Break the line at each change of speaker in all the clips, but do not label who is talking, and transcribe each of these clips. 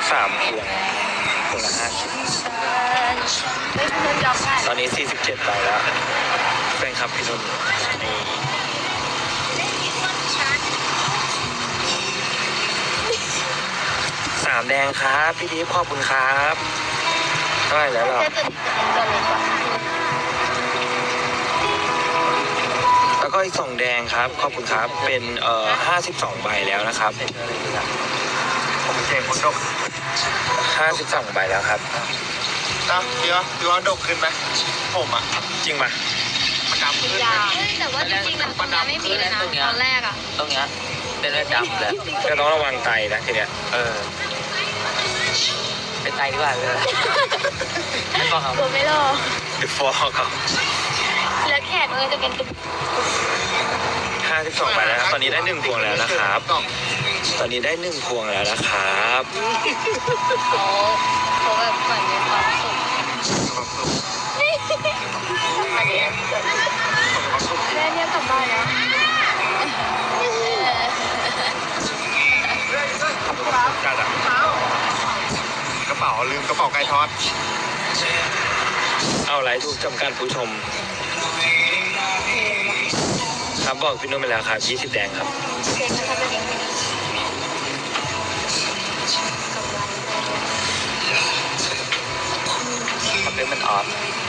3 พวงละ50ตอนนี้47ใบแล้วแฟนคลับพี่นุ่นนี่3 แดงครับพี่ดีขอบคุณครับเท่าไหร่แล้วเราแล้วก็อีก2 แดงครับขอบคุณครับเป็น52 ใบแล้วนะครับผมเจคนดก52 ใบแล้วครับ
พี่ว่าดกขึ้นไหมผมอ่ะ
จริงป่ะ
มันดำขึ้น
แต่ว่าจริงๆแล้วตรงนี้ไม่มีเลยนะตอนแรกอ่ะ
ตรงเนี้ยเป็นเลือดดำเลย
ก็ต้องระวังไตนะทีเนี้ย
เป็นไตดีกว่าเลยไม่บอกครับ
ผมไม่รอ
ติดฟอครับ
แล้วแขกจะเป็นตุ๊ก
52 ใบแล้วครับตอนนี้ได้1 พวงแล้วนะครับตอนนี้ได้1 พวงแล้วนะครับ
เขาแบบเหมือนมีความสุขอันนี้แม่เนี่ยกลับบ้านแล้ว
กระเป๋าลืมกระเป๋าไก่ทอด
เอาไลฟ์ถูกจำกัดผู้ชมครับบอกพี่นุ่มไปแล้วครับ20 แดงครับ
มันเป็นมันออฟ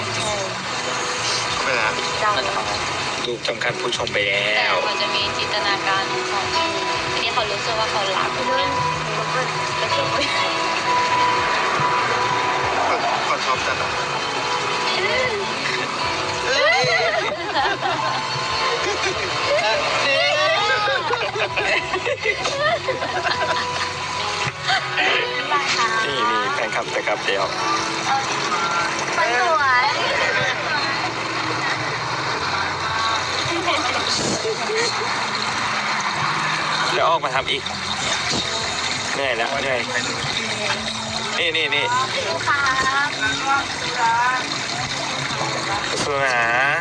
ไม่นะ
ถูกจำกัดผู้ชมไปแล้ว
แต่เขาจะมีจินตนาการของทีนี้เขารู้สึกว่าเขารักเนี่ย
คนชอบจัดอ่ะ
นี่แฟนคลับแต่กับเดียว
มันสวย
แล้วออกมาทำอีกเหนื่อยแล้วเหนื่อยนี่สู้นะ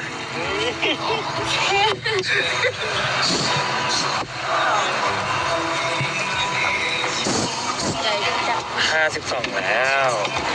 52 แล้ว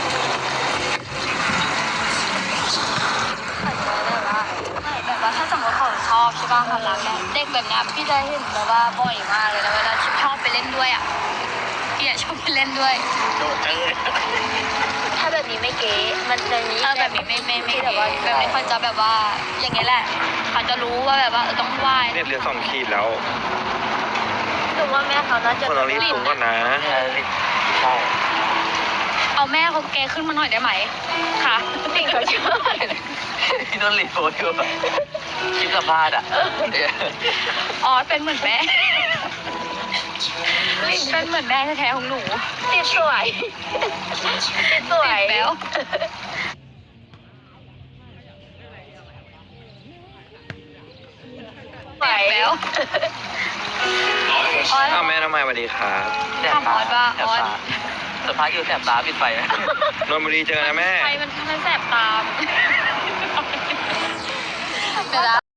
แบบว่าถ้าสมมติเขาชอบใช่ป่ะเขารักเนี่ยเด็กแบบนี้พี่จะเห็นแบบว่าบ่อยมากเลยแล้วเวลาชอบไปเล่นด้วยอ่ะพี่ชอบไปเล่นด้วย
โดดจังเลย
ถ้าแบบนี้ไม่เก๋มันจะนี้แบบนี้ไม่แบบว่าแบบนี้เขาจะแบบว่าอย่างเงี้ยแหละเขาจะรู้ว่าแบบว่าต้องไหว้
เนี่ยเหลือ2 ขีดแล้ว
ถึงว่าแม่เขาน่าจะ
คนเรารีบปรุงก่อนนะ
ใช่
เอาแม่เขาแกขึ้นมาหน่อยได้ไหมค่ะติ่งเขาชอบ
พี่ต้นรีโพสอยู่คลิปสัมภาษณ์อ่ะ
เป็นเหมือนแม่เป็นเหมือนแม่แท้ๆของหนูติดสวยแล้วแล้ว
แม่ทำไมสวัสดีครับ
ทำออสว่าออส
สัมภาษณ์อยู่แสบตาปิดไฟนะ
นนท์บุรีเจอนะแม่
ไฟมันแสบตาเดี๋ยว